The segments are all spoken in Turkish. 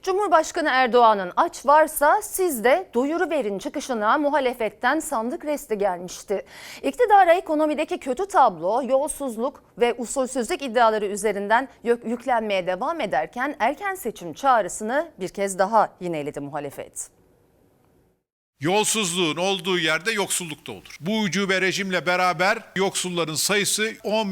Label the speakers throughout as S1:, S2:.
S1: Cumhurbaşkanı Erdoğan'ın "aç varsa siz de doyuruverin" çıkışına muhalefetten sandık resti gelmişti. İktidara ekonomideki kötü tablo, yolsuzluk ve usulsüzlük iddiaları üzerinden yüklenmeye devam ederken erken seçim çağrısını bir kez daha yineledi muhalefet.
S2: Yolsuzluğun olduğu yerde yoksulluk da olur. Bu ucube rejimle beraber yoksulların sayısı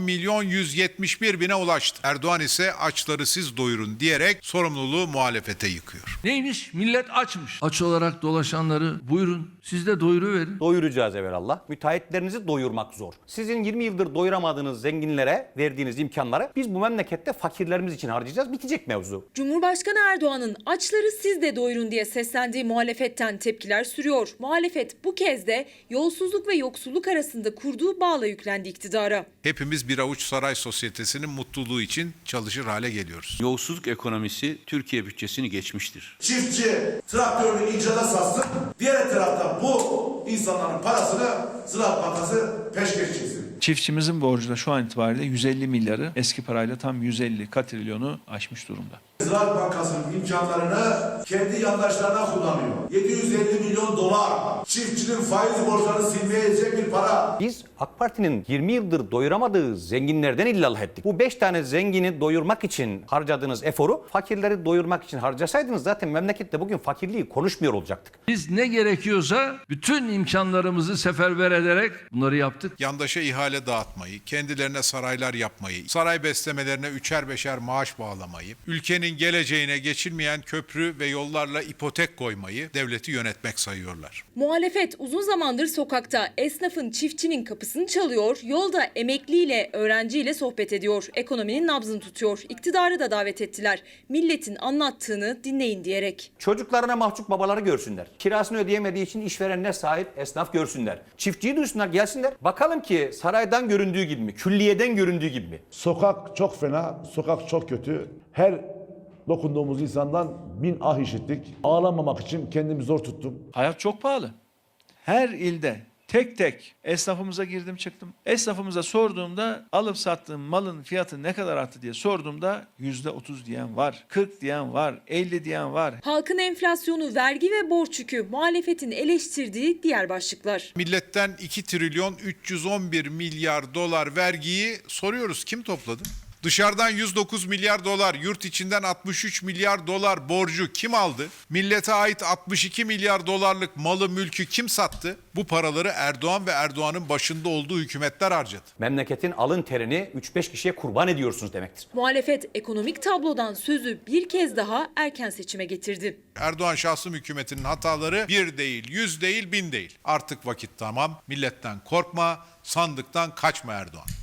S2: 10.171.000'e ulaştı. Erdoğan ise açları siz doyurun diyerek sorumluluğu muhalefete yıkıyor.
S3: Neymiş? Millet açmış. Aç olarak dolaşanları buyurun siz de doyuruverin.
S4: Doyuracağız evvelallah. Müteahhitlerinizi doyurmak zor. Sizin 20 yıldır doyuramadığınız zenginlere verdiğiniz imkanları biz bu memlekette fakirlerimiz için harcayacağız. Bitecek mevzu.
S5: Cumhurbaşkanı Erdoğan'ın "açları siz de doyurun" diye seslendiği muhalefetten tepkiler sürüyor. Muhalefet bu kez de yolsuzluk ve yoksulluk arasında kurduğu bağla yüklendi iktidara.
S2: Hepimiz bir avuç saray sosyetesinin mutluluğu için çalışır hale geliyoruz.
S6: Yolsuzluk ekonomisi Türkiye bütçesini geçmiştir.
S7: Çiftçi traktörünü icrada satsın, diğer taraftan bu insanların parasını Ziraat Bankası peşkeş çeksin.
S8: Çiftçimizin borcu da şu an itibariyle 150 milyarı, eski parayla tam 150 katrilyonu aşmış durumda.
S7: Ziraat Bankası'nın imkanlarını kendi yandaşlarına kullanıyor. 750 milyon dolar çiftçinin faiz borçlarını silmeye yetecek bir para.
S4: Biz AK Parti'nin 20 yıldır doyuramadığı zenginlerden illallah ettik. Bu 5 tane zengini doyurmak için harcadığınız eforu fakirleri doyurmak için harcasaydınız zaten memlekette bugün fakirliği konuşmuyor olacaktık.
S3: Biz ne gerekiyorsa bütün imkanlarımızı seferber ederek bunları yaptık.
S2: Yandaşa ihale dağıtmayı, kendilerine saraylar yapmayı, saray beslemelerine üçer beşer maaş bağlamayı, ülkenin geleceğine geçilmeyen köprü ve yollarla ipotek koymayı devleti yönetmek sayıyorlar.
S5: Muhalefet uzun zamandır sokakta esnafın, çiftçinin kapısını çalıyor, yolda emekliyle, öğrenciyle sohbet ediyor, ekonominin nabzını tutuyor. İktidarı da davet ettiler. Milletin anlattığını dinleyin diyerek.
S4: Çocuklarına mahcup babaları görsünler. Kirasını ödeyemediği için işverenine sahip esnaf görsünler. Çiftçiyi duysunlar, gelsinler. Bakalım ki saraydan göründüğü gibi mi? Külliyeden göründüğü gibi mi?
S9: Sokak çok fena, sokak çok kötü. Her dokunduğumuz insandan 1000 ah işittik. Ağlamamak için kendimi zor tuttum.
S8: Hayat çok pahalı. Her ilde tek tek esnafımıza girdim çıktım. Esnafımıza sorduğumda alıp sattığım malın fiyatı ne kadar arttı diye sorduğumda %30 diyen var, 40 diyen var, 50 diyen var.
S5: Halkın enflasyonu, vergi ve borç yükü muhalefetin eleştirdiği diğer başlıklar.
S2: Milletten 2 trilyon 311 milyar dolar vergiyi soruyoruz, kim topladı? Dışarıdan 109 milyar dolar, yurt içinden 63 milyar dolar borcu kim aldı? Millete ait 62 milyar dolarlık malı mülkü kim sattı? Bu paraları Erdoğan ve Erdoğan'ın başında olduğu hükümetler harcadı.
S4: Memleketin alın terini 3-5 kişiye kurban ediyorsunuz demektir.
S5: Muhalefet ekonomik tablodan sözü bir kez daha erken seçime getirdi.
S2: Erdoğan şahsım hükümetinin hataları 1 değil, 100 değil, 1000 değil. Artık vakit tamam. Milletten korkma, sandıktan kaçma Erdoğan.